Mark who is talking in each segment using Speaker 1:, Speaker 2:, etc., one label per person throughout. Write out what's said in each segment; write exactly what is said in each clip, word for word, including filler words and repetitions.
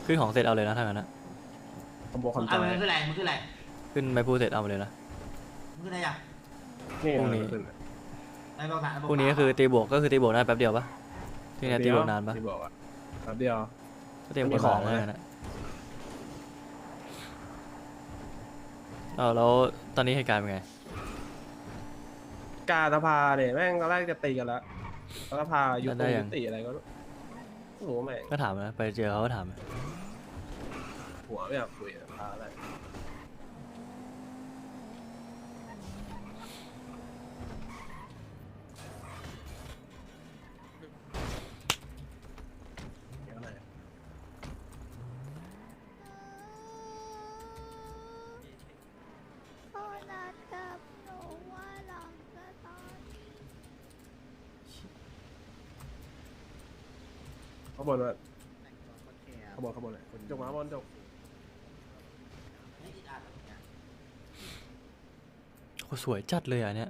Speaker 1: ขึ้นของเสร็จเอาเลยนะถ้างั้นนะ
Speaker 2: คอมโบคอนจ
Speaker 3: เอา
Speaker 2: อย
Speaker 3: มึงขึ้นอะไรมึงขึ้นอะไร
Speaker 1: ขึ้นไม่พูดเสร็จเอามาเลยนะ
Speaker 3: มึงขึ้นอะไรอ่ะ
Speaker 2: นี่
Speaker 1: พรุ่งนี้
Speaker 2: ขึ้น
Speaker 3: ไอ้บอกสาร
Speaker 1: พวกนี้ก็คือตีบวกก็คือตีบวกได้แป๊บเดียวปะที่เนี่ยตีบวกนานปะ
Speaker 2: ตีบวกอ่ะแป๊บเดียว
Speaker 1: ก็ตีบวก
Speaker 2: มีของ
Speaker 1: นาน
Speaker 2: ไหม
Speaker 1: นะนะเอาแล้วตอนนี้เหตุการณ์เป็นไง
Speaker 2: กาตาพาเนี่ยแม่งตอนแรกจะตีกันแล้วกาตาพายุ
Speaker 1: ได้
Speaker 2: ติ
Speaker 1: ยั
Speaker 2: ยุ
Speaker 1: ง
Speaker 2: ติอะไรก็ไม่รู้แม่ง
Speaker 1: ก็ถามนะไปเจอเขาก็ถาม
Speaker 2: หัวไม่อยากคุยกับพาอะไรเดี๋ยวหน่อย
Speaker 4: เขานัดกับหนูว่าหลังสตาร์ท
Speaker 2: ข้างบนว่าข้างบนข้างบนเลยจกมาข้างบนจก
Speaker 3: ไม่ติดอ่านแบบเนี้ย
Speaker 1: โอ้สวยจัดเลยอ่ะเนี่ย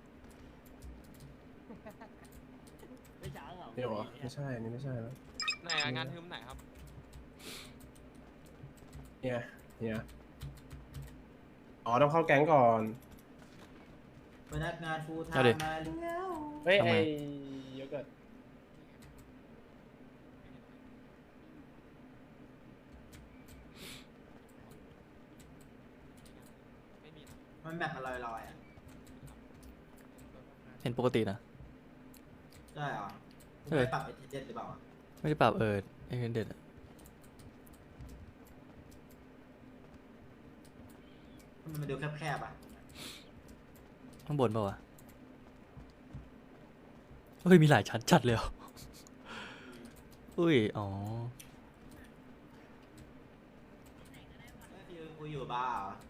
Speaker 2: นี่เหรอไม่ใช่อันนี่ไม่ใช่แล้ว
Speaker 5: ไหนอะงานทึมไหนครับ
Speaker 2: เนี่ยเนี่ยอ๋อต้องเข้าแก๊งก่อน
Speaker 3: พนักงานฟูลไท
Speaker 1: เอาดิ
Speaker 3: ม์มาแล้ว
Speaker 2: เฮ้ย
Speaker 1: ทำไม
Speaker 2: ไอ้โยเกิร์ต
Speaker 5: ไม่มีนะ
Speaker 3: มันแบบมันลอยๆอ่ะ
Speaker 1: เห็นปกตินะ
Speaker 3: ใช่เหรอมึง
Speaker 1: เออ
Speaker 3: ไปปรับไอ้เจ็ดหรือเปล่าอะ
Speaker 1: ไม่ได้ปรับเออไอเด็ดอะ
Speaker 3: มันมันดูแคบๆอ่ะ
Speaker 1: ข้างบนเปล่าวะเฮ้ยมีหลายชั้นจัดเลยเหรออุ้ยอ๋อ
Speaker 3: ก็คือกูอยู่บ้าร์เหรอ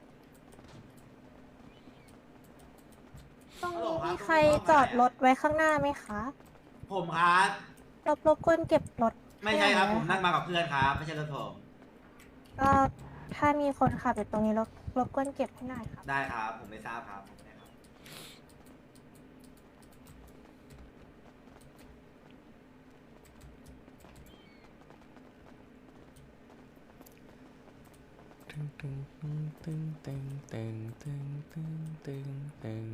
Speaker 4: ตรงนี้มีใครจอดรถไว้ข้างหน้าไหมคะ
Speaker 3: ผมครับ
Speaker 4: รบรบกวนเก็บรถ
Speaker 3: ไม่ใช่ครับ
Speaker 4: ให้
Speaker 3: ผมนั่งมากับเพื่อนครับ ไม่ใช่รถผม
Speaker 4: ก็ถ้ามีคนขับอยู่ตรงนี้รบรบกวนเก็บให้หน่อยครับ
Speaker 3: ได้ครับ ผมไม่ทราบครับผมไม่ได้ครับ
Speaker 1: ตึงตึงตึงตึงตึงตึงตึงตึงตึง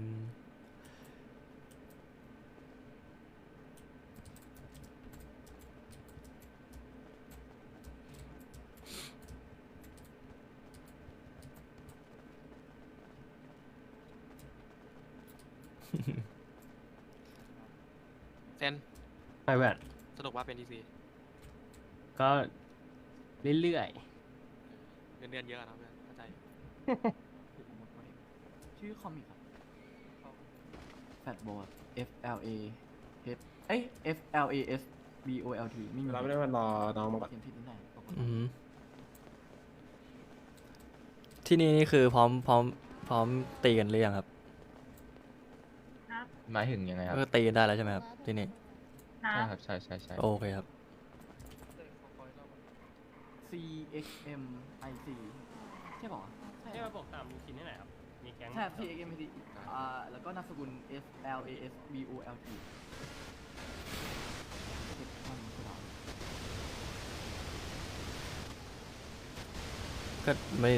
Speaker 5: เซน
Speaker 6: ไม่แบบ
Speaker 5: สรุปว่าเป็นทีซี
Speaker 6: ก็เรื่อย
Speaker 5: เงินเดือนเยอะนะเพื่อนเข้าใจ
Speaker 6: ๆ ชื่อคอมิกครับแฟตบอล F L A H เอ้ย F L A S B O L T ไม่มี
Speaker 2: เราไม่ได้มารอน้องมาก่อน
Speaker 6: เขียนผิดนิดหน่อยปกติ
Speaker 1: อืมที่นี่นี่คือพร้อมพร้อมพร้อมตีกันหรือยังครับ
Speaker 7: หมายถึงยังไงครับ
Speaker 1: ก็ตีกันได้แล้วใช่ไหมครับที่นี่
Speaker 7: ใช่ครับ ใช่ใช่ใช่
Speaker 1: โอเคครับ
Speaker 6: C X M I C ใช่ป่าวะใช่
Speaker 8: ให้มาบอกตามรูทีนให้หน่อยครับ มีแก๊ง
Speaker 6: ใช่ C X M I C อ่าแล้วก็นามสกุล F L A S B O L T เด็กมันคือเรา
Speaker 1: ก็ไม่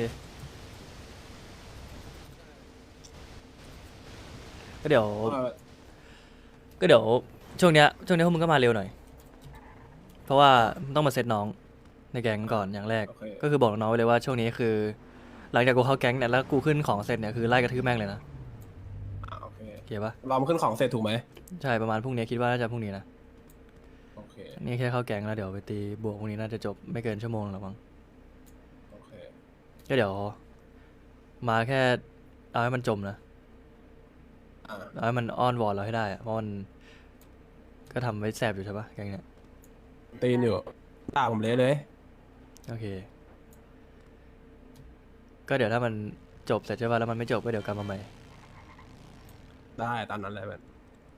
Speaker 1: ก็เดี๋ยว
Speaker 2: เออ
Speaker 1: ก็เดี๋ยวช่วงเนี้ยช่วงนี้พวกมึงก็มาเร็วหน่อย เพราะว่ามึงต้องมาเซตน้องในแก๊งก่อนอย่างแรก
Speaker 2: โอเค
Speaker 1: ก็คือบอกน้องไว้เลยว่าช่วงนี้คือ หลังจากกูเข้าแก๊งเนี่ยแล้วกูขึ้นของเสร็จเนี่ยคือไล่กระทืบแม่งเลยนะ
Speaker 2: อ่ะโอเค
Speaker 1: โอเคปะ
Speaker 2: รอมาขึ้นของเสร็จถูกไหม
Speaker 1: ใช่ประมาณพรุ่งนี้คิดว่าน่าจะพรุ่งนี้นะ
Speaker 2: โอเค
Speaker 1: นี่แค่เข้าแก๊งแล้วเดี๋ยวไปตีบวกพรุ่งนี้น่าจะจบไม่เกินชั่วโมงหรอกมั้ง
Speaker 2: โอเค
Speaker 1: ก็เดี๋ยว มาแค่เอาให้มันจมนะ
Speaker 2: อ่า
Speaker 1: เอาให้มันอ้อนวอนเราให้ได้อะเพราะมันก็ทำไว้แสบอยู่ใช่ปะแก๊งเนี้ย
Speaker 2: ตีนอยู่ตาผมเละเลย
Speaker 1: โอเค ก็เดี๋ยวถ้ามันจบเสร็จใช่ปะแล้วมันไม่จบก็เดี๋ยวกลับมาใหม่
Speaker 2: ได้ตามนั้นเลยแบบ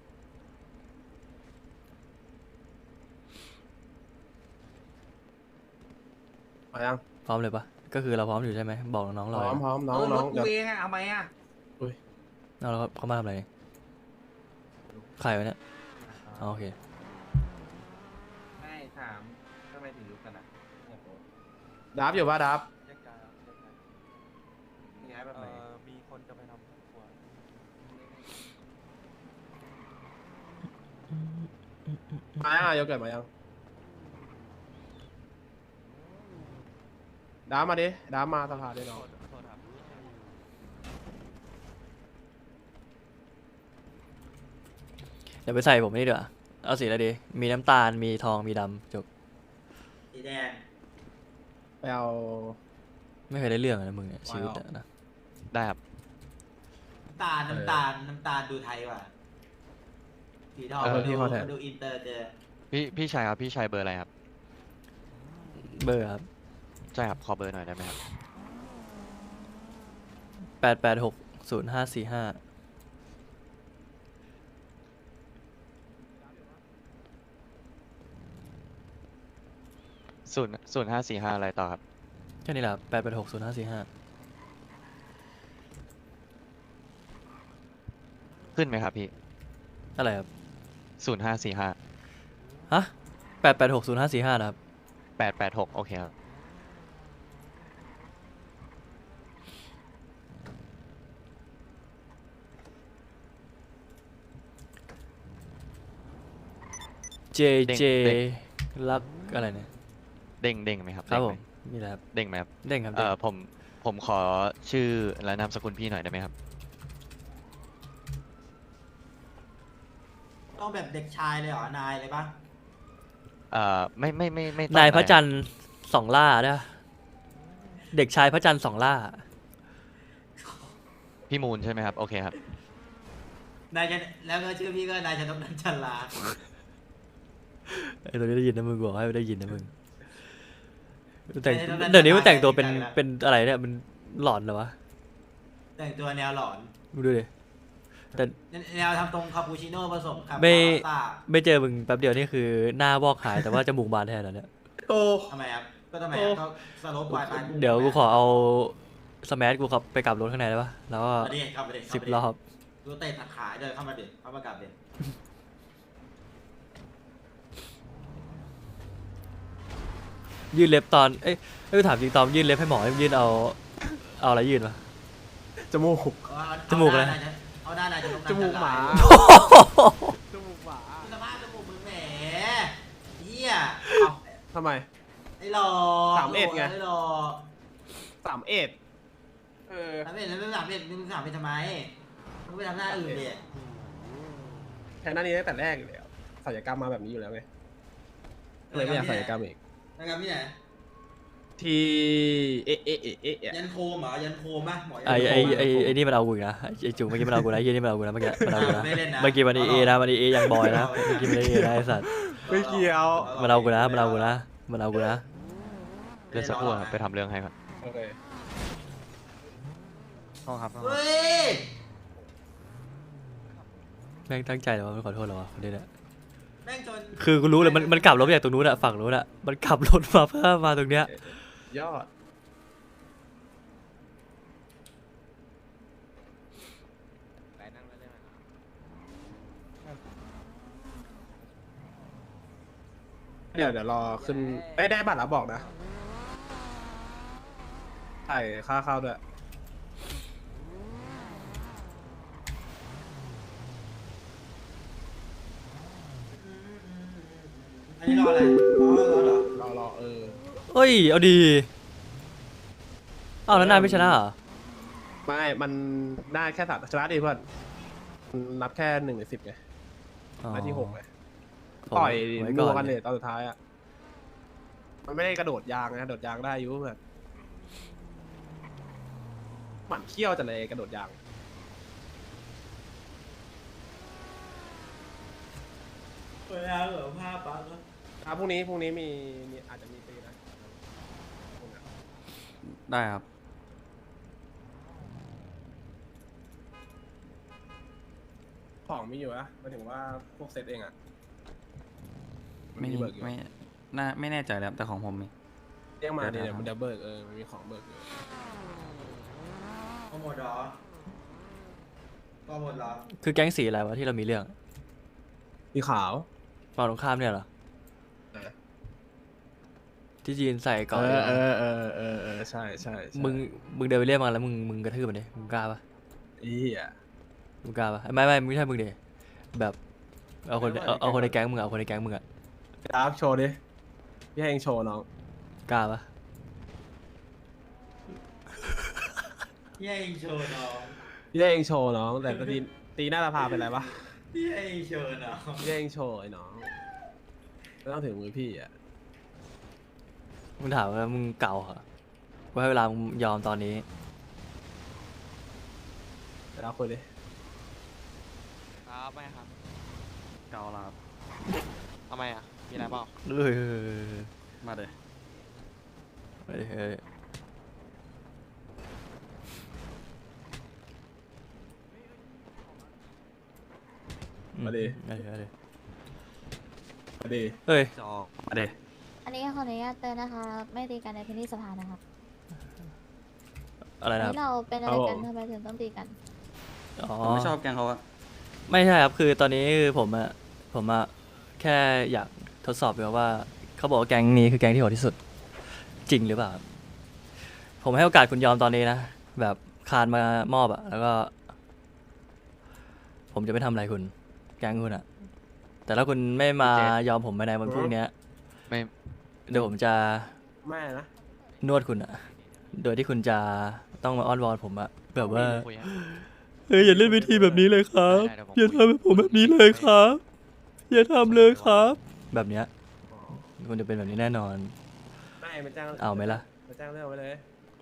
Speaker 2: มายัง
Speaker 1: พร้อมเลยปะก็คือเราพร้อมอยู่ใช่ไหมบอกน้องๆ
Speaker 2: พ
Speaker 1: เรา
Speaker 2: ร้อมพร้อมน้อง
Speaker 3: เออร
Speaker 2: น้อ
Speaker 3: ถ
Speaker 2: ง
Speaker 3: กู
Speaker 2: เดี๋ยว
Speaker 3: เองอะเอาไหมอะ
Speaker 1: น้องเราเขามาทำอะไรใครวะเนี่ยอ๋อโอเค
Speaker 3: ไม่ถามทำไมถึงรู้กันอ่ะ
Speaker 2: ดับอยู่ป่ะดับ
Speaker 5: แยกย้ายครับแยกย้าย
Speaker 3: ย้ายแบบไหน
Speaker 5: เอ่อมีคนจะไปทำครอบครัว
Speaker 2: มายังอ่ะโยเกิร์ตมายังดับมาดิดับมาสภาดิน้อง
Speaker 5: โทษโทษครับ
Speaker 1: เดี๋ยวไปใส่ผมนี่ดีกว่าเอาสีอะไรดี มีน้ำตาล มีทอง มีดำจบ
Speaker 3: สีแดง
Speaker 2: ไปเอา
Speaker 1: ไม่เคยได้เรื่องเลยนะมึงเนี่ย
Speaker 2: ว้าว
Speaker 1: ชีวิตอะนะ
Speaker 7: ได้ครับ
Speaker 3: น้ำตาลน้ำตาลน้ำตาลดูไทยกว่าสีทอง
Speaker 2: เออ
Speaker 3: มัน
Speaker 2: พี่
Speaker 3: ดู
Speaker 2: ขอแทน
Speaker 3: มันดูอินเตอร์เกิน
Speaker 7: พี่พี่ชายครับ พี่ชายเบอร์อะไรครับ
Speaker 1: เบอร์ครับ
Speaker 7: ใช่ครับ ขอเบอร์หน่อยได้ไหมครับ
Speaker 1: แปดแปดหกศูนย์ห้าสี่ห้า
Speaker 7: ศูนย์ศูนย์ห้าสี่ห้าอะไรต่อครับ
Speaker 1: แค่นี้แหละแปดแปดหกศูนย์ห้าสี่ห้า
Speaker 7: ขึ้นไหมครับพี่
Speaker 1: อะไรครับ
Speaker 7: ศูนย์ห้าสี่ห้า
Speaker 1: ฮะแปดแปดหกศูนย์ห้าสี่ห้านะครับ
Speaker 7: แปดแปดหกโอเคครับ
Speaker 1: เจ
Speaker 7: เด้ง
Speaker 1: เจ
Speaker 7: เด้ง
Speaker 1: รักอะไรเนี่ย
Speaker 7: เด้งเด้งไหมครับ
Speaker 1: ครับ
Speaker 7: เด้ง
Speaker 1: ผ
Speaker 7: ไห
Speaker 1: มนี่แหละครับ
Speaker 7: เด้งไหมครับ
Speaker 1: เด้งครับ
Speaker 7: เอ่
Speaker 1: เด้ง
Speaker 7: อผมผมขอชื่อและนามสกุลพี่หน่อยได้ไหมครับ
Speaker 3: ต้องแบบเด็กชายเลยเหรอนายเลยปะ
Speaker 7: เอ่อไม่ไม่ไม่ไม่ต้อง
Speaker 1: นายพระจั
Speaker 7: อ
Speaker 1: นทร์สองล่าด้วยเด็กชายพระจันทร์สองล่า
Speaker 7: พี่มูลใช่ไหมครับ โอเคครับ
Speaker 3: นายจะแล้วก็ชื่อพี่ก็นายชนกนันจันลา
Speaker 1: ไอ้ตัวนี้ได้ยินนะมึงบอกให้ได้ยินนะมึงแต่งเดี๋ยวนี้มันแต่งตัวเป็นเป็นอะไรเนี่ยมันหลอนเหรอวะ
Speaker 3: แต่งตัวแนวหลอน
Speaker 1: มึงดูดิแต่
Speaker 3: แนวทำตรงคาปูชิโน่ผสมกับ
Speaker 1: ไม่
Speaker 3: พาสต้า
Speaker 1: ไม่เจอมึงแป๊บเดียวนี่คือหน้าวอกหายแต่ว่าจมูกบานแทนแล้วเนี่ย
Speaker 2: โต
Speaker 3: ทำไมครับก็ทำไมครับก็สโลปปลายปลาย
Speaker 1: เดี๋ยวกูขอเอาสมาร์ทกูขับไปกลับรถข้างในได้ปะแล้วก็
Speaker 3: มาดิเข้ามาดิเข้า
Speaker 1: สิบ
Speaker 3: มาดิ
Speaker 1: รอบ
Speaker 3: ดูเตะตัดขาเดินเข้ามาดิเข้ามากลับดิ
Speaker 1: ยื่นเล็บตอนเอ้ยเอ้ยถามจริงตอนยื่นเล็บให้หมอยื่นเอาเอาอะไรยื่นวะ
Speaker 2: จมูก
Speaker 3: เอาเอา
Speaker 1: จมูกอะไร
Speaker 3: เอาหน้านายชนกนัน
Speaker 2: จมูกหมา
Speaker 3: จันล
Speaker 2: จมูกหมา
Speaker 3: ดูสภาพจมูกมึงแหมเหี้ย
Speaker 2: ทำไม
Speaker 3: ไอ้หล่อ
Speaker 2: สามเอ็ดไง
Speaker 3: ไอ้หล่อ
Speaker 2: สามเอ็ดเออ
Speaker 3: สามเอ็ดแล้วไม่สามเอ็ดมึงสามเอ็ดทำไมมึงไปทำหน้าอื่นดิ
Speaker 2: แทนหน้านี้ตั้งแต่แรกเลยศัลยกรรมมาแบบนี้อยู่แล้วไงก็เลยไม่อยากศัลยกรรมอีก
Speaker 3: นะครับพี่ไหน
Speaker 2: ทีเอะเอะเอะเอะเอะ
Speaker 3: ยันโคมเหรอยันโคมปะหมอยัน
Speaker 1: ไอ้
Speaker 3: โค
Speaker 1: ไอ้
Speaker 3: ม
Speaker 1: ไอ้ไอ้นี่มันเอากูอีกนะไอ้จุ๋มเมื่อกี้มันเอากูนะไอ้เหี้ยนี่มันเอากูนะเมื่อกี้มันเอากูนะ
Speaker 3: ไม่เล่นนะ
Speaker 1: เมื่อกี้มันเอนะมันเอยังบอยนะเมื่อกี้มันเอนะไอ้สัตว์
Speaker 2: ไม่เกี่ยว
Speaker 1: มันเอากูนะมันเอากูนะมันเอากูนะ
Speaker 7: เล่นสักครู่ครับ ไปทำเรื่องให้ก่อน
Speaker 2: โอเค
Speaker 7: ห้องครับ
Speaker 3: เฮ้ย
Speaker 1: แม่งตั้งใจเหรอวะไม่ขอโทษเหรอวะคนนี้เนี่ย
Speaker 3: แม่งจน
Speaker 1: คือกูรู้เลยมันมันกลับรถมาจากตรงนู้นอะฝั่งนู้นอะมันขับรถมาเพื่อมาตรงเนี้ย
Speaker 2: ยอด เดี๋ยวเดี๋ยวรอขึ้นเอ้ยได้บัตรแล้วบอกนะใส่ค่าเข้าด้วย
Speaker 3: อันนี้รออะไรรอรอเหรอ
Speaker 2: รอรอเออ
Speaker 1: เอ้ยเอาดีอ้าวแล้วนายไม่ชนะเหรอ
Speaker 2: ไม่ มันได้แค่สามชนะดิเพื่อนมันนับแค่หนึ่งในสิบไง
Speaker 1: อ๋อ
Speaker 2: ได้ที่หกไง
Speaker 1: ผม
Speaker 2: ต่อย
Speaker 1: ไว้
Speaker 2: นัว
Speaker 1: ก่
Speaker 2: กั
Speaker 1: อน
Speaker 2: น
Speaker 1: เล
Speaker 2: เลย ยตอนสุดท้ายอ่ะ มันไม่ได้กระโดดยางนะกระโดดยางได้อยุ่เพื่อนหมันเขี้ยวจังเลยกระโดดยาง
Speaker 3: เวลาเหลือผ้าปั๊บแล้ว
Speaker 2: ครับพรุ่งนี้พรุ่งนี้มีมีอาจจะมีตีนะ
Speaker 6: ได้ครับ
Speaker 2: ของมีอยู่นะหมายถึงว่าพวกเซตเองอ่ะ
Speaker 6: ไม่
Speaker 2: เบิกอยู่
Speaker 6: ไม่น่าไม่แน่ใจแล้วแต่ของผมมี
Speaker 2: เรียกมา
Speaker 6: เดี๋
Speaker 2: เดี๋
Speaker 6: ย
Speaker 2: ยว ว
Speaker 6: นะ
Speaker 2: มันจะเบิกเออมันมีของเบิกอยู่
Speaker 3: ก็หมดเหรอก็หมดเหรอ
Speaker 1: คือแก๊งสีอะไรวะที่เรามีเรื่อง
Speaker 2: มีขาว
Speaker 1: ฝั่งตรงข้ามเนี่ยเหรอที่จีนใส่ก่อน
Speaker 2: เอ
Speaker 1: ดี
Speaker 2: อก
Speaker 1: ว่า
Speaker 2: เออเออเออเออใช่ใช่ใช่
Speaker 1: มึงมึงเดินไปเรียกมันแล้วมึงมึงกระทืบมันดิมึงกล้าปะ
Speaker 2: อีอ่ะ
Speaker 1: มึงกล้าปะไม่ไม่ไม่ใช่มึงดิแบบเอาคนเอาเอาคนในแก๊งมึงอะเอาคนในแก๊งมึงอะ
Speaker 2: ครับโชว์ดิพี่ให้เองโชว์น้อง
Speaker 1: กล้าปะ
Speaker 3: พี่ให้เองโชว์น้อง
Speaker 2: พี่ให้เองโชว์น้องแต่ตีตีหน้าตาพาเป็นไรปะ
Speaker 3: พี่ให้เองโชว์น้อง
Speaker 2: พี่ให้เองโชว์ไอ้น้องไม่ต้องถึงมือพี่อ่ะ
Speaker 1: มึงถามว่ามึงเก่าเหรอกูให้เวลามึงยอมตอนนี้
Speaker 2: เดี๋ยวเราคุยดิ
Speaker 9: ครับไม่ครับ
Speaker 6: เกาแล้วครับ
Speaker 9: ทำไมอ่ะ มีอะไรเปล่า
Speaker 1: เอ้ย
Speaker 6: มาเลย
Speaker 1: เฮ้ยเฮ้ยอื
Speaker 2: มาดิ
Speaker 1: เฮ้ยเฮ้ย
Speaker 2: มาดิ
Speaker 1: เฮ้ย
Speaker 6: จอกมาเลย
Speaker 4: อันนี้ขออนุญาตเตือนนะคะ ไม่ตีกันในพื้นที่สภานะครับ
Speaker 1: อะไร
Speaker 4: อัน
Speaker 1: นะครับ
Speaker 4: นี้เราเป็นอะไรกันทำไมถึงต้องตีกัน
Speaker 1: อ๋อ
Speaker 6: ผมไม่ชอบแกงเขาอะ
Speaker 1: ไม่ใช่ครับ คือตอนนี้คือผมอะผมอะแค่อยากทดสอบดูว่าเขาบอกว่าแก๊งนี้คือแก๊งที่โหดที่สุด จริงหรือเปล่าครับผมให้โอกาสคุณยอมตอนนี้นะ แบบคานมามอบอะแล้วก็ ผมจะไม่ทำอะไรคุณ แก๊งคุณอะแต่ถ้าคุณไม่มายอมผมภายในวันพรุ่งเนี้ย
Speaker 7: ไม่
Speaker 1: เดี๋ยวผมจะ
Speaker 2: แม่นะ
Speaker 1: นวดคุณอะโดยที่คุณจะต้องมาอ้อนวอนผมอะแบบว่า
Speaker 7: คุยอะ
Speaker 1: เฮ้ยอย่าเล่นวิธีแบบนี้เลยครับ
Speaker 7: ได้ได้
Speaker 1: อย่าทำแบบผมแบบนี้เลยครับ อย่าทำเลยครับ แบบเนี้ยคุณจะเป็นแบบนี้แน่นอน
Speaker 2: ไม่มาจ้าง
Speaker 1: เอาไหมล่ะ
Speaker 2: มาจ้างเรื่องไว้เลย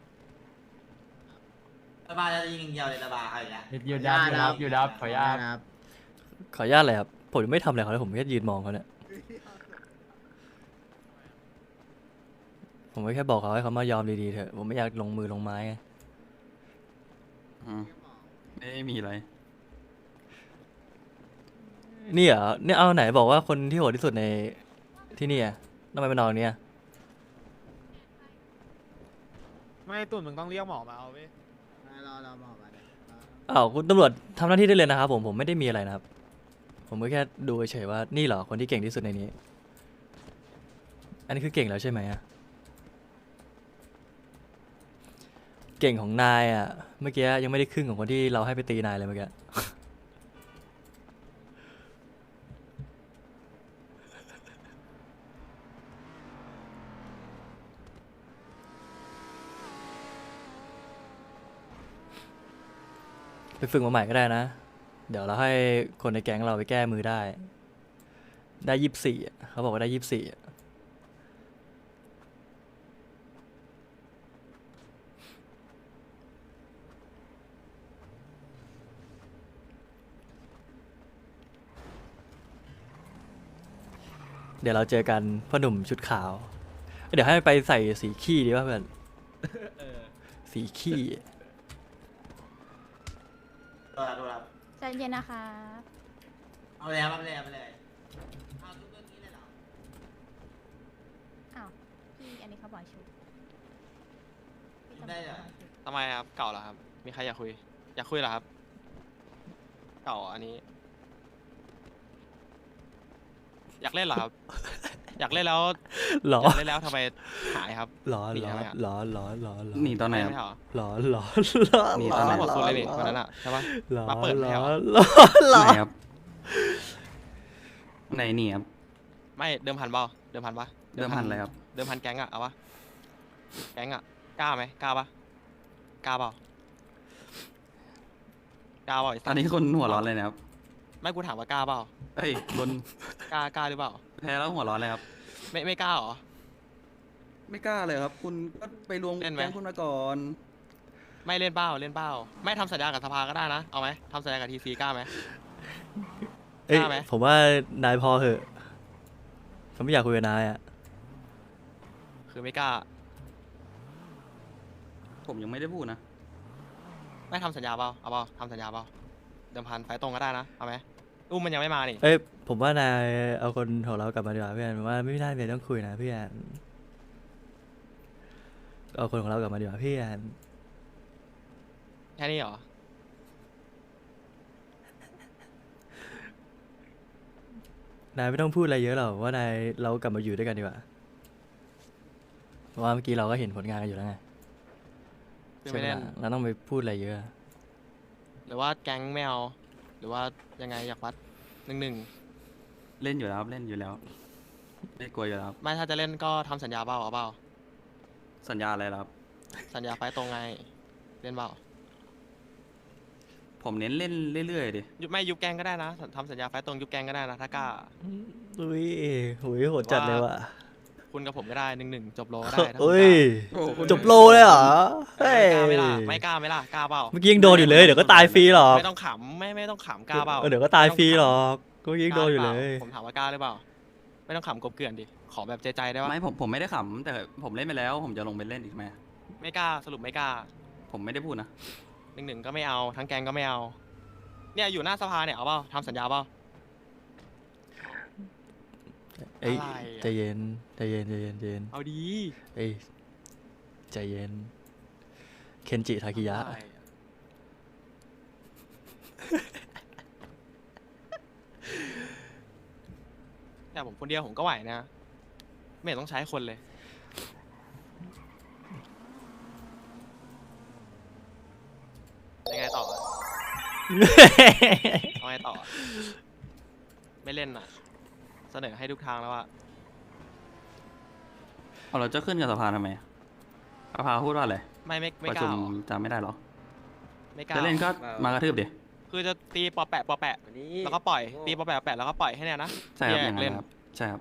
Speaker 3: ระบาจะยิงอย่างเดียวเลยระบาเอาอีกแล้ว
Speaker 5: หยุดยับหยุดยับหยุดยับขออนุญาต
Speaker 1: ขออนุญาตเลยครับผมยังไม่ทำอะไรเขาเลยผมแค่ยืนมองเขาเนี่ยผมก็แค่บอกเขาให้เขามายอมดีๆเถอะผมไม่อยากลงมือลงไม้ไง
Speaker 6: อืมไม่มีอะไร
Speaker 1: นี่เหรอเนี่ยเอาไหนบอกว่าคนที่โหดที่สุดในที่นี่อะทำไมเป็นนอนเนี่ย
Speaker 5: ไม่ตุ่นมึงต้องเรียกหมอมาเอาเว้ย
Speaker 1: อ้าวคุณตำรวจทำหน้าที่ได้เลยนะครับผมผมไม่ได้มีอะไรนะครับ ผมก็แค่ดูเฉยๆว่านี่เหรอคนที่เก่งที่สุดในนี้ อันนี้คือเก่งแล้วใช่ไหมอะเก่งของนายอะเมื่อกี้ยังไม่ได้ครึ่งของคนที่เราให้ไปตีนายเลยเมื่อกี้ ไปฝึกมาใหม่ก็ได้นะ เดี๋ยวเราให้คนในแก๊งเราไปแก้มือได้ ได้ยี่สิบสี่เขาบอกว่าได้ยี่สิบสี่เดี๋ยวเราเจอกันพ่อหนุ่มชุดขาว เดี๋ยวให้ไปใส่สีขี้ดีป่ะเพื่อน
Speaker 2: เออ
Speaker 1: สีขี้
Speaker 3: ตัวละตัวละ
Speaker 4: ใจเย็นนะคะ
Speaker 3: เอาเลยครับเอาเลยเอาไปเลยเอาทุกเรื่องนี้เลยเหรอ
Speaker 4: อ้าว พี่อันนี้เขาบอกชุดพี่ตำรวจ
Speaker 3: ได้เหรอ
Speaker 9: ทำไมครับ เก่าเหรอครับ มีใครอยากคุย อยากคุยเหรอครับ เก่าอันนี้ อยากเล่นเหรอครับ อยากเล่นแล้ว
Speaker 1: หรอ
Speaker 9: อยากเล่นแล้วทำไมหายครับ
Speaker 1: หรอ
Speaker 9: หนี
Speaker 1: หรอ
Speaker 9: ทำไมอะ
Speaker 1: หรอหรอหรอหรอ
Speaker 6: หนีตอนไหนครับ
Speaker 9: ไม่เหรอ
Speaker 1: หรอหรอหรอ
Speaker 6: หนี
Speaker 9: ต
Speaker 6: ต
Speaker 9: อ
Speaker 6: อน นไหน
Speaker 9: นั้นหมดสุดเลยนี่วันนั้นอ่ะใช่ปะ
Speaker 1: หรอ
Speaker 9: มาเปิด
Speaker 1: หร
Speaker 9: แถ
Speaker 1: อ
Speaker 9: ว
Speaker 1: หรอหรอ
Speaker 6: ไหนครับไหนหนีครับ
Speaker 9: ไม่เดิมพันเปล่าเดิมพันปะ
Speaker 6: เดิมพันอะไรครับ
Speaker 9: เดิมพันแก๊งอะเอาปะแก๊งอะกล้าไหมกล้าปะกล้าเปล่ากล้าเปล่าไอ้
Speaker 6: ต
Speaker 9: สั
Speaker 6: อ
Speaker 9: ต
Speaker 6: น
Speaker 9: ว์
Speaker 6: นี้คนหัวร้อนเลยนะครับ
Speaker 9: ไม่กูถามว่ากล้าเปล่า
Speaker 6: เอ้ยคน
Speaker 9: กล้ากล้าหรือเปล่า
Speaker 6: แพ้แล้วหัวร้อนเลยครับ
Speaker 9: ไม่ไม่กล้าเหรอ
Speaker 6: ไม่กล้าเลยครับ คุณก็ไปรวม
Speaker 9: เล่นไหม
Speaker 6: แก๊งคุณมาก่อน
Speaker 9: ไม่เล่นเป้าเล่นเป้าไม่ทำสัญญากับสภาก็ได้นะเอาไหมทำสัญญากับทีซีกล้าไหม
Speaker 1: เอ้ย
Speaker 9: กล้าไหม
Speaker 1: ผมว่านายพอเหอะผมไม่อยากคุยกับนายอ่ะ
Speaker 9: คือไม่กล้า
Speaker 6: ผมยังไม่ได้พูดนะ
Speaker 9: ไม่ทำสัญญาเปล่าเอาเปล่าทำสัญญาเปล่าเดิมพันไฟตรงก็ได้นะเอาไหมอุ้มมันยังไม่มานี่
Speaker 1: เอ้ยผมว่านายเอาคนของเรากลับมาดีกว่าเพื่อนผมว่าไม่ได้เลยต้องคุยนะเพื่อนเอาคนของเรากลับมาดีกว่าเพื่อน
Speaker 9: แค่นี้เหรอ
Speaker 1: นายไม่ต้องพูดอะไรเยอะหรอกว่านายเรากลับมาอยู่ด้วยกันดีกว่าราะว่าเมื่อกี้เราก็เห็นผลงานกันอยู่แล้วไง
Speaker 9: คือ
Speaker 1: ใช่
Speaker 9: ไม่
Speaker 1: ไหม
Speaker 9: เล่น
Speaker 1: ล่ะเราต้องไปพูดอะไรเยอะ
Speaker 9: หรือว่าแก๊งไม่เอาหรือว่ายังไงอยากวัดหนึ่งหนึ่ง
Speaker 6: เล่นอยู่แล้วครับเล่นอยู่แล้วไม่กลัวอยู่แล้วครับ
Speaker 9: ไม่ถ้าจะเล่นก็ทำสัญญาเปล่าเอาเปล่า
Speaker 6: สัญญาอะไรแล้วครับ
Speaker 9: สัญญาไฟต์ตรงไงเล่นเปล่า
Speaker 6: ผมเน้นเล่นเรื่อยๆดิ
Speaker 9: ยุบไม่ยุบแกงก็ได้นะทำสัญญาไฟต์ตรงยุบแกงก็ได้นะถ้ากล้า
Speaker 1: อุ้ยหุยโหดจัดเลยว่ะ
Speaker 9: คุณกับผมก็ได้หนึ่งหนึ่งจบโลก็ได้ถ้าคุณ
Speaker 1: เอ้ย
Speaker 2: โอ้โหคุณ
Speaker 1: จบโลเลยเหรอเฮ้ย
Speaker 9: กล้าไม่ล่ะไม่กล้าไม่ล่ะกล้าเปล่า
Speaker 1: เมื่อกี้ยังโดนอยู่เลยเดี๋ยวก็ตายฟรีหรอก
Speaker 9: ไม่ต้องขำไม่ไม่ต้องขำกล้าเปล่า
Speaker 1: เออเดี๋ยวก็ตายฟรีหรอกก็ยังโดนอยู่เลย
Speaker 9: ผมถามว่ากล้าหรือเปล่า ไม่ต้องขำกบเกลื่อนดิขอแบบใจใจได้ปะ
Speaker 6: ไม่ผมผมไม่ได้ขำแต่ผมเล่นไปแล้ว ผมจะลงไปเล่นอีกไหม
Speaker 9: ไม่กล้าสรุปไม่กล้า
Speaker 6: ผมไม่ได้พูดนะ
Speaker 9: หนึ่งหนึ่งก็ไม่เอาทั้งแกงก็ไม่เอา เนี่ยอยู่หน้าสภาเนี่ยเอาเปล่าทำสัญญาเปล่า
Speaker 1: เอ้ย
Speaker 9: อะไรอะ
Speaker 1: ใจเย็นใจเย็นใจเย็นใจเย็น
Speaker 9: เอาดี
Speaker 1: เอ้ยใจเย็นเคนจิทาคิยะ
Speaker 9: อะไรอะแต่ผมคนเดียวผมก็ไหวนะ ไม่เห็นต้องใช้คนเลย ยังไงต่ออะ เอาไงต่ออะไม่เล่นอ่ะ เสนอให้ทุกทางแล้วว่า
Speaker 6: เอาเราจะขึ้นกับสภาทำไมสภาพูดว่าอะไร
Speaker 9: ไม่ไม่ไม่
Speaker 6: ประ
Speaker 9: ก
Speaker 6: ชุ
Speaker 9: ล้าม หรอ
Speaker 6: จำไม่ได้หรอ
Speaker 9: ไม่กล้า
Speaker 6: จะเล่นก็มากระทืบดิ
Speaker 9: คือจะตีปอแปะปอแปะ แล้วก็ปล่อย ตีปอแปะปอแปะแล้วก็ปล่อยให้เนี่ยนะ
Speaker 6: ใช่ครับ
Speaker 9: แย
Speaker 6: อก ย่างนั้
Speaker 9: เล่
Speaker 6: น
Speaker 9: น
Speaker 6: ครับใช่ครับ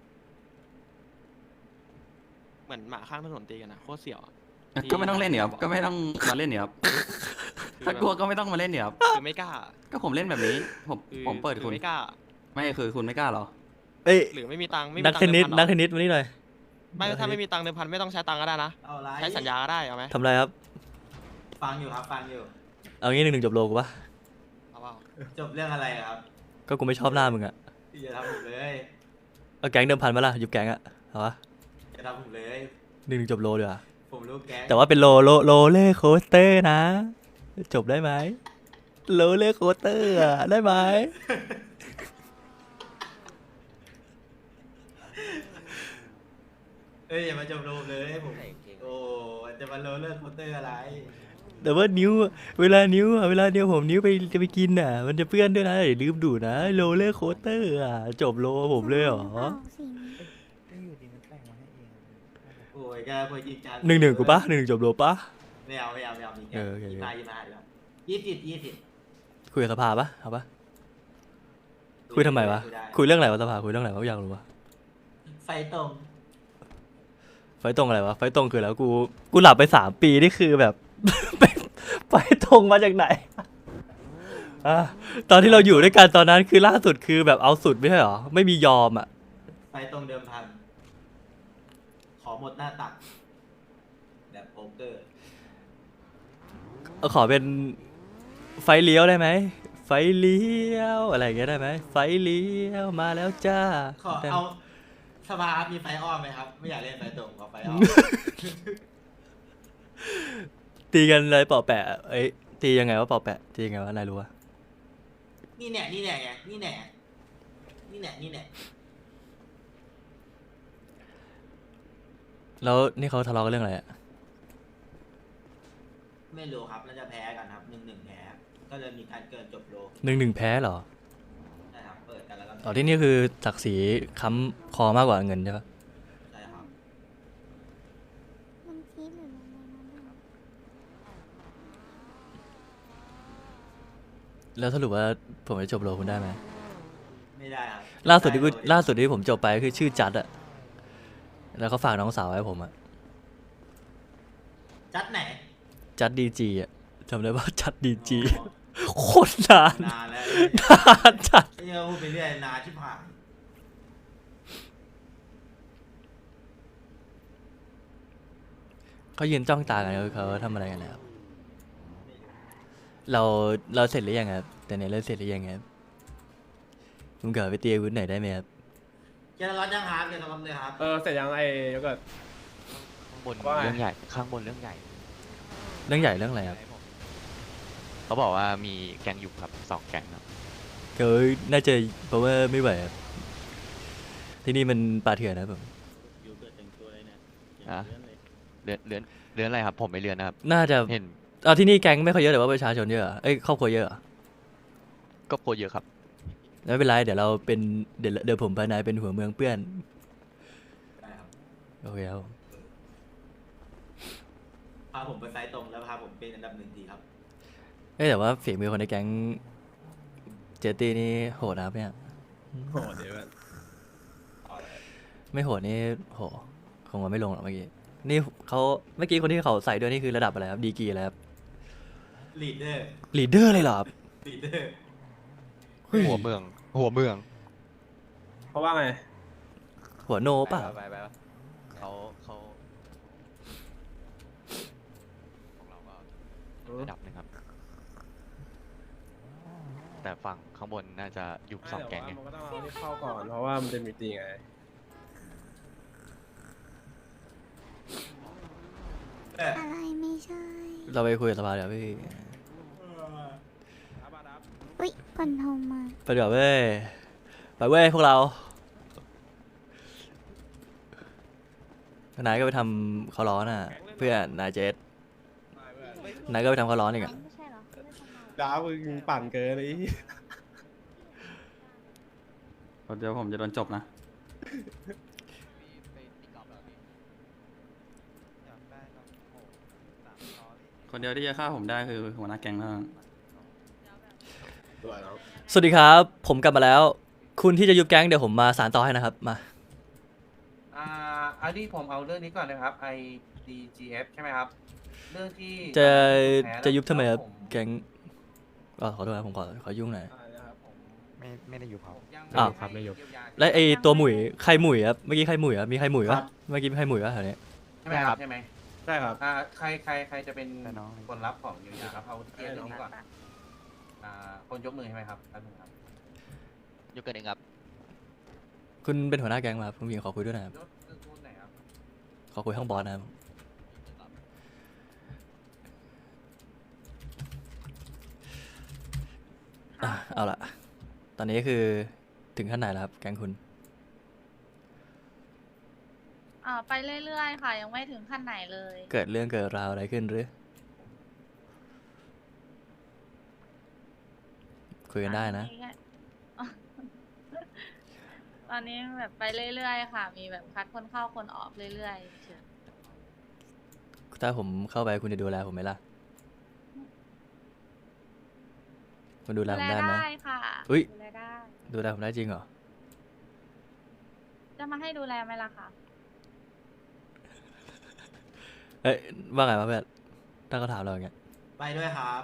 Speaker 9: เหมือนหมาข้างถนนตีกันนะโคตรเสี่ยวอะ ที่
Speaker 6: ก็ไม่ต้องเล่นเนี่ยครับ
Speaker 9: บอก
Speaker 6: ก็ไม่ต้องมาเล่นเนี่ยครับถ้ากลัวก็ไม่ต้องมาเล่นเนี่ยครับ
Speaker 9: คือไม่กล้า
Speaker 6: ก็ผมเล่นแบบนี้ ผม
Speaker 9: คือ
Speaker 6: ผมเปิด
Speaker 9: คือ
Speaker 6: คุณ
Speaker 9: ไม่กล้า
Speaker 6: ไม่คือคุณไม่กล้าเหรอ
Speaker 1: เอ้ย
Speaker 9: หรือไม่มีตังค์ไม่มี
Speaker 1: นัก
Speaker 9: ตัง
Speaker 1: เทน
Speaker 9: ค์
Speaker 1: นิ
Speaker 9: เดิ
Speaker 1: ส
Speaker 9: มพัน
Speaker 1: นัก
Speaker 9: เห
Speaker 1: เท
Speaker 9: รอน
Speaker 1: นิสมานี่หน่อย
Speaker 9: ไม่ถ้าไม่มีตังค์เดิมพันไม่ต้องใช้ตังค์ก็ได้นะ
Speaker 3: เอาไร
Speaker 9: ใช้สัญญาก็ได้เอาไหม
Speaker 1: ทำอะไรครับ
Speaker 3: ฟังอยู่ครับฟังอยู่
Speaker 1: เอางี้หนึ่งหนึ่งจบโลกูปะ
Speaker 9: เอาเปล่า
Speaker 3: จบเรื่องอะไรครับ
Speaker 1: ก็กูไม่ชอบหน้ามึงอะ
Speaker 3: อย่าทำผมเลย
Speaker 1: เอาแก๊งเดิมพันมาล่ะยุบแก๊งอะเอาวะ
Speaker 3: อย่าทำผมเลย
Speaker 1: หนึ่งหนึ่งจบโลดีกว่า
Speaker 3: ผมรู้แก๊ง
Speaker 1: แต่ว่าเป็นโลโลโลเล่โคสเตอร์นะ จบได้ไหมโลเล่โคสเตอร์อะได้ไหม
Speaker 3: เอ้ยอย่ามาจบโลมเลยผมโอ้จะมาโลเลิกโคเตอร์อะไร
Speaker 1: แต่ว่านิ้วอะเวลานิ้วอะเวลานิ้วผมนิ้วไปจะไปกินอ่ะ มันจะเปื้อนด้วยนะอย่าลืมดูดนะโลเล่โคสเตอร์อ่ะจบโลผมเลยเหรอ
Speaker 3: โอ้ยก็พอจริงจัง
Speaker 1: หนึ่งหนึ่งกูปะหนึ่งหนึ่งจบโลปะ
Speaker 3: ไม่เอาไม่เอาไม่เอามีแก๊
Speaker 1: เออโอเค
Speaker 3: ยี่สิบห้ายี่สิบห้าเดี๋ยวยี่สิบยี่สิบ
Speaker 1: คุยกับสภาปะเอาปะคุยทำไมวะคุยเรื่องอะไรวะสภาคุยเรื่องอะไรวะอยากรู้วะ
Speaker 3: ไฟตรง
Speaker 1: ไฟตรงอะไรวะไฟตรงคือแล้วกูกูหลับไปสามปีนี่คือแบบ ไปไฟตรงมาจากไหนอ่ะตอนที่เราอยู่ด้วยกันตอนนั้นคือล่าสุดคือแบบเอาสุดไม่ใช่เหรอไม่มียอมอ่ะ
Speaker 3: ไฟตรงเดิมพัน ขอหมดหน้าตัก แบบโป๊กเกอร์
Speaker 1: เอาขอเป็นไฟเลี้ยวได้ไหมไฟเลี้ยวอะไรอย่างเงี้ยได้ไหมไฟเลี้ยวมาแล้วจ้า
Speaker 3: ขอเอาสภาครับมีไฟอ้อมไหมครับ ไม่อยากเล่นไฟตรงขอไฟอ้อม
Speaker 1: ตีกันอะไรเป่าแปะเอ้ยตียังไงวะเป่าแปะตียังไงวะนายรู้วะ
Speaker 3: นี่แน่นี่แน่ไงนี่แน่นี่แน่นี่แน่
Speaker 1: แล้วนี่เขาทะเลาะกันเรื่องอะไรอะ
Speaker 3: ไม่รู้ครับแล้วจะแพ้กันครับหนึ่งหนึ่งแพ้ ก็เลยมีการเกินจบโล
Speaker 1: หนึ่งหนึ่งแพ้เหรอ
Speaker 3: ใช่ครับ เปิดกันแล้วก็
Speaker 1: อ๋อที่นี่คือศักดิ์ศรีค้ำคอมากกว่าเงินใช่ปะ
Speaker 3: ใช่ครับ
Speaker 4: มันคิดหรือมันมัน
Speaker 1: แล้วสรุปว่าผมจะจบโลคุณได้ไหม
Speaker 3: ไม่ได้ครับ
Speaker 1: ล่าสุดที่กู
Speaker 3: ไโ
Speaker 1: ล่าสุดที่ผมจบไปคือชื่อจัดอะแล้วเขาฝากน้องสาวไว้ผมอะ
Speaker 3: จัดไหน
Speaker 1: จัดดีจีอะจำได้ว่าจัดดีจี
Speaker 3: อ๋อ
Speaker 1: โคตรนาน
Speaker 3: นานแล้ว
Speaker 1: นานจัด
Speaker 3: ไอ้เนี่ยพูดไปเรื่อยนานชิบหาย
Speaker 1: เขายืนจ้องตากันเขาทำอะไรกันแล้วเราเราเสร็จหรือยังครับแต่เนี่ยเราเสร็จหรือยังครับผมเกิดไปเตียวุ้นไหนอยได้ไหมครับ
Speaker 3: เจนร้อนยังครับเจนร้อนเลยครับ
Speaker 2: เออเสร็จยังไอ้โยเกิร์ต
Speaker 7: ข้างบน
Speaker 2: ว่าไง
Speaker 7: เรื่องใหญ่ ข้างบนเรื่องใหญ่
Speaker 1: เรื่องใหญ่เรื่องอะไรครับ
Speaker 7: เขาบอกว่ามีแก๊งอยู่ครับสองแก๊งครับ
Speaker 1: ก็น่าจะเพราะว่าไม่ไหวครับที่นี่มันป่าเถื่อนนะครับผม
Speaker 3: อยู่เกิดแต่งตัวเลยเนี่ยเจ
Speaker 7: อ่ะเรือนเรือนเรือนอะไรครับ ผมไม่เรือนนะครับ
Speaker 1: น่าจะ
Speaker 7: เห็น
Speaker 1: เอาที่นี่แก๊งไม่ค่อยเยอะแต่ว่าประชาชนเยอะเหรอเอ้ยครอบครัวเยอะเหรอ
Speaker 7: ก็โคตรเยอะครับ
Speaker 1: ไม่เป็นไรเดี๋ยวเราเป็นเดี๋ยวเดี๋ยวผมภายในเป็นหัวเมืองเปื้อน
Speaker 3: ได้ครับ
Speaker 1: โอเคครับ
Speaker 3: พาผมไปไฟตรงแล้วพาผมเป็นอันดับหนึ่งทีครับ
Speaker 1: เอ้ยแต่ว่าฝีมือคนในแก๊งเจตี้นี่โหดนะครับเนี่ย
Speaker 2: โอ้เดี๋ยวมัน
Speaker 1: ไม่โหดนี่โหคงว่าไม่ลงหรอกเมื่อกี้นี่เขาเมื่อกี้คนที่เขาใส่ด้วยนี่คือระดับอะไรครับดีกรีอะไรครับ
Speaker 3: ลีดเดอร์
Speaker 1: ลีดเดอร์เลยเหรอครับ
Speaker 3: ลีดเดอร์
Speaker 1: เฮ้ย
Speaker 7: หัวเมือง หัวเมือง
Speaker 2: เพราะว่าไง
Speaker 1: หัวโนป่ะ
Speaker 7: ไปไปไปเขาเขาของเราก็ระดับหนึ่งครับ แต่ฝั่งข้างบนน่าจะยุบสองแก๊งไง
Speaker 2: มันก็ต้องเอาที่เข้าก่อนเพราะว่ามันเป็นมีตีไง
Speaker 3: เออ
Speaker 4: อะไรไม่ใช่
Speaker 1: เราไปคุยกับสภาเดี๋ยวพี่
Speaker 4: อุ๊ยคนโทรมา
Speaker 1: ไปเดี๋ยวเว้ยไปเว้ยพวกเรานายก็ไปทำเขาร้อนอ่ะ เพื่อนนายเจสนายก็ไปทำเขาร้อนอีกอ่ะ
Speaker 4: ไม่ใช่เหรอไม่ได้ทำงาน
Speaker 2: ดาวมึงปั่นเกินเลย
Speaker 6: เดี๋ยวผมจะโดนจบนะ คนเดียวที่จะฆ่าผมได้คือหัวหน้าแก๊งแล้ว
Speaker 1: สวัสดีครับ ผมกลับมาแล้ว คุณที่จะยุบแก๊งเดี๋ยวผมมาสานต่อให้นะครับมา
Speaker 10: อ่าอันนี้ผมเอาเรื่องนี้ก่อนนะครับ I D G F ใช่ไหมครับ เรื่องที่
Speaker 1: จะ
Speaker 10: แพ้แล้ว
Speaker 1: จะยุบทำไมครับ
Speaker 10: ผม
Speaker 1: แก๊งอ๋อขอโทษครับผมขอขอยุ่งหน่อย
Speaker 7: ไม่ไม่ได้ยุบครับ
Speaker 10: ผมยัง
Speaker 1: อ้าว
Speaker 10: ไม่ได้เยียวยา
Speaker 1: และไอตัวหมุยใครหมุยครับเมื่อกี้ใครหมุยครับมีใครหมุยวะเมื่อกี้มีใครหมุยวะแถวนี้
Speaker 10: ใช่ไหมครับใช่ไหม
Speaker 2: ใช่ครับ
Speaker 10: อ่าใครใครใครจะเป็น
Speaker 6: แต่น้อง
Speaker 10: คนรับของเยียวยาครับเอาที่เกียร์เรื่องนี้ก่อนอ่าคนยกมือใช่ไหมครับแป๊บนึงครับ
Speaker 7: ยกกันเองครับ
Speaker 1: คุณเป็นหัวหน้าแก๊งมาครับผมมีขอคุยด้วยนะครับ
Speaker 10: ยกมือพูดไหนอยครับ
Speaker 1: ขอคุยข้างบอสนะครับอ่ะเอาละตอนนี้คือถึงขั้นไหนแล้วครับแก๊งคุณ
Speaker 11: อ่าไปเรื่อยๆค่ะ ยังไม่ถึงขั้นไหนเลย
Speaker 1: เกิดเรื่องเกิดราวอะไรขึ้นหรือ คุยกันได้นะ
Speaker 11: ตอแค่ ตอนนี้แบบไปเรื่อยๆค่ะ มีแบบคัดคนเข้าคนออกเรื่อยๆเฉย
Speaker 1: ถ้าผมเข้าไปคุณจะดูแลผมไหมล่ะ คุณดูแล
Speaker 11: ดู
Speaker 1: ผม
Speaker 11: แล
Speaker 1: ได้ไหม
Speaker 11: ได้ค่ะ
Speaker 1: อุ๊ย
Speaker 11: ดูแลได้
Speaker 1: ดูแลผมได้จริงเหรอ
Speaker 11: จะมาให้ดูแลไหมล่ะคะ
Speaker 1: เอ้ยว่าไงวะเพื่อนถ้าเขาถามเราอย่างเงี้ย
Speaker 3: ไปด้วยครับ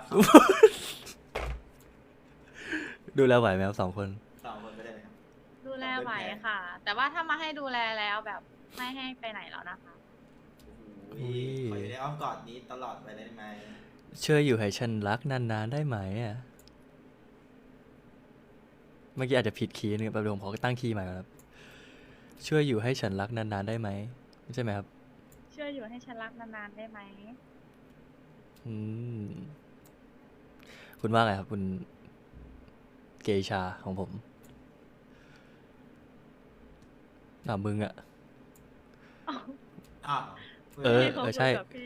Speaker 1: ดูแลไหวไหมครับสองคน
Speaker 3: สองคนไปได้ไหมครับ
Speaker 11: ดูแลไหวค่ะ แต่ว่าถ้ามาให้ดูแลแล้วแบบไม่ให้ไปไหนแล้วนะคะ
Speaker 3: โอ้โหขออยู่ในอ้อมกอดนี้ตลอดไปได้ไหม
Speaker 1: ช่วยอยู่ให้ฉันรักนานๆได้ไหมอ่ะ เมื่อกี้อาจจะผิดคีย์นึงแป๊บเดียวผมขอตั้งคีย์ใหม่ก่อนครับ ช่วยอยู่ให้ฉันรักนานๆได้ไหมใช่ไหมครับ
Speaker 11: ช่วยอยู่ให้ฉันรักนานๆได้ไหม
Speaker 1: อืม คุณว่าไงครับ คุณเกชาของผมน่ามึงอะ
Speaker 3: อ้าว
Speaker 1: เออ
Speaker 11: พี่ขาคุย
Speaker 1: ใช่
Speaker 11: กับพี่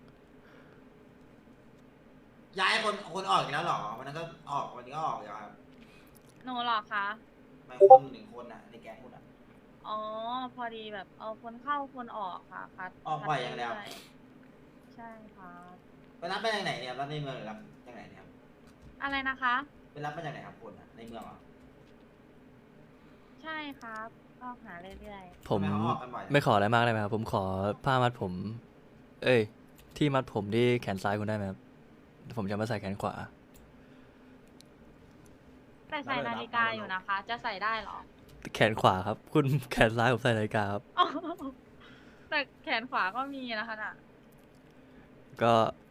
Speaker 3: ย้ายคนคนออกอีกแล้วเหรอวันนั้นก็ออกวันนี้ก็ออกอย่างครับ
Speaker 11: หนูเหรอคะ
Speaker 3: ไม่คนหนึ่งคนอ่ะในแก๊งคุณอ่ะ
Speaker 11: อ๋อ พอดีแบบเอาคนเข้าคนออกค่ะคัด
Speaker 3: ออกบ่อยอย่างเดียว
Speaker 11: คัรื่ๆใช่ค่ะ
Speaker 3: ไปรับมาจากไหนเนี่ยรับในเมืองหรือรับจากไหนเนี่ยครับ
Speaker 11: อะไรนะคะ
Speaker 3: ไปรับมาจากไหนครับคนอ่ะในเมืองเหรอ
Speaker 11: ใช่ครับก็หาเรื่อย
Speaker 1: ผม
Speaker 3: ทำไเขาออกกันบ่อยจัง
Speaker 1: ไม่ขออะไรมากได้ไหมครับ ผมขอผ้ามัดผม เอ้ย ที่มัดผมที่แขนซ้ายคุณได้ไหมครับ ผมจะมาใส่แขนขวา
Speaker 11: ๆแต่ใส่นาฬิกาอยู่นะคะ จะใส่ได้เหรอ
Speaker 1: แขนขวาครับ คุณแขนซ้ายผมใส่นาฬิกาครับ
Speaker 11: แต่แขนขวาก็มีนะคะน่ะ
Speaker 1: ก็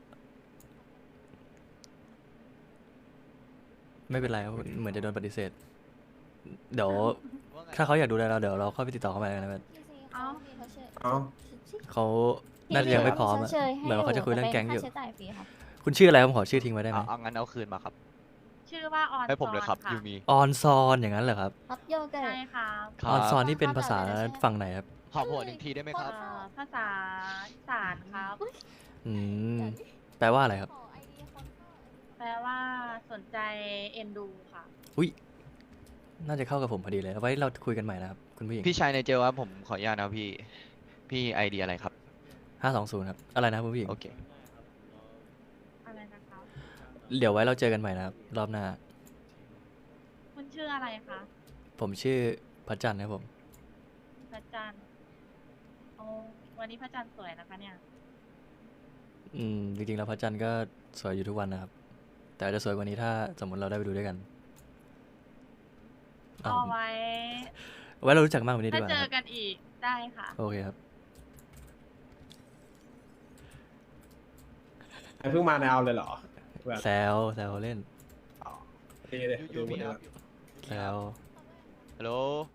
Speaker 1: ไม่เป็นไรครับเหมือนจะโดนปฏิเสธ เดี๋ยว ถ้าเขาอยากดูแลเราเดี๋ยวเราเข้าไปติดต่อเข้ามากันนะครับ
Speaker 11: เอ้า
Speaker 2: เอ้า
Speaker 1: เขาน่าจะยังไม่พร้อมอะเหมือนว่าเขาจะคุยเรื่องแก๊งอยู่
Speaker 4: ใช้จ่ายฟรีค่ะ
Speaker 1: คุณชื่ออะไรผมขอชื่อทิ้งไว้ได้ไหม
Speaker 7: เอาเอางั้นเอาคืนมาครับ
Speaker 11: ชื่อว่าออน
Speaker 7: ให้ผมเลยครับ
Speaker 11: ซอน
Speaker 7: ยูมี
Speaker 1: ออนซอนอย่างนั้นเหรอครับ
Speaker 4: รับโยเกิ
Speaker 11: ใช่
Speaker 4: ร์ต
Speaker 11: ครับ
Speaker 1: ออนซอนนี่เป็นภาษาฝั่งไหนครับ
Speaker 7: ขอผลอีกทีได้ไหมครับ
Speaker 11: เอ่อภาษาอีสานครับ
Speaker 1: อืม แปลว่าอะไรครับ
Speaker 11: แปลว่าสนใจเอ็นดูค่ะ
Speaker 1: อุ้ย น่าจะเข้ากับผมพอดีเลย ไว้เราคุยกันใหม่นะครับ คุณผู้หญิง
Speaker 7: พี่ชายในเจลครับผมขออนุญาตนะครับพี่ พี่ไอเดียอะไรครับ
Speaker 1: ห้าสองศูนย์ครับ อะไรนะครับคุณผู้หญิง
Speaker 7: โอเค
Speaker 11: อะไรนะครับ
Speaker 1: เดี๋ยวไว้เราเจอกันใหม่นะครับ รอบหน้า
Speaker 11: คุณชื่ออะไรคะ
Speaker 1: ผมชื่อพระจันทร์ครับผม
Speaker 11: พระจันทร์โอ้วันนี้พระจันทร์สวยนะคะเนี่ย
Speaker 1: อืม จริงๆแล้วพระจันทร์ก็สวยอยู่ทุกวันนะครับ แต่อาจจะสวยกว่านี้ถ้าสมมติเราได้ไปดูด้วยกัน
Speaker 11: เอา
Speaker 1: อ้าว
Speaker 11: ไว้
Speaker 1: ไว้เรารู้จักมากกว่านี้ดี
Speaker 11: ถ้าก
Speaker 1: ว่า
Speaker 11: เจ
Speaker 1: นะค
Speaker 11: อ
Speaker 1: รับ
Speaker 11: กันอีกได้ค่ะ
Speaker 1: โอเคครับ
Speaker 2: เพิ่งมาในเอาเลยเหรอแบบ
Speaker 1: แซวแซวเล่น
Speaker 2: ดีเลย
Speaker 7: ยู
Speaker 2: ดูหม
Speaker 7: มี
Speaker 2: ด
Speaker 7: ค
Speaker 2: แล้
Speaker 7: รั
Speaker 2: ว
Speaker 7: บ
Speaker 1: แซว
Speaker 7: ฮัลโหล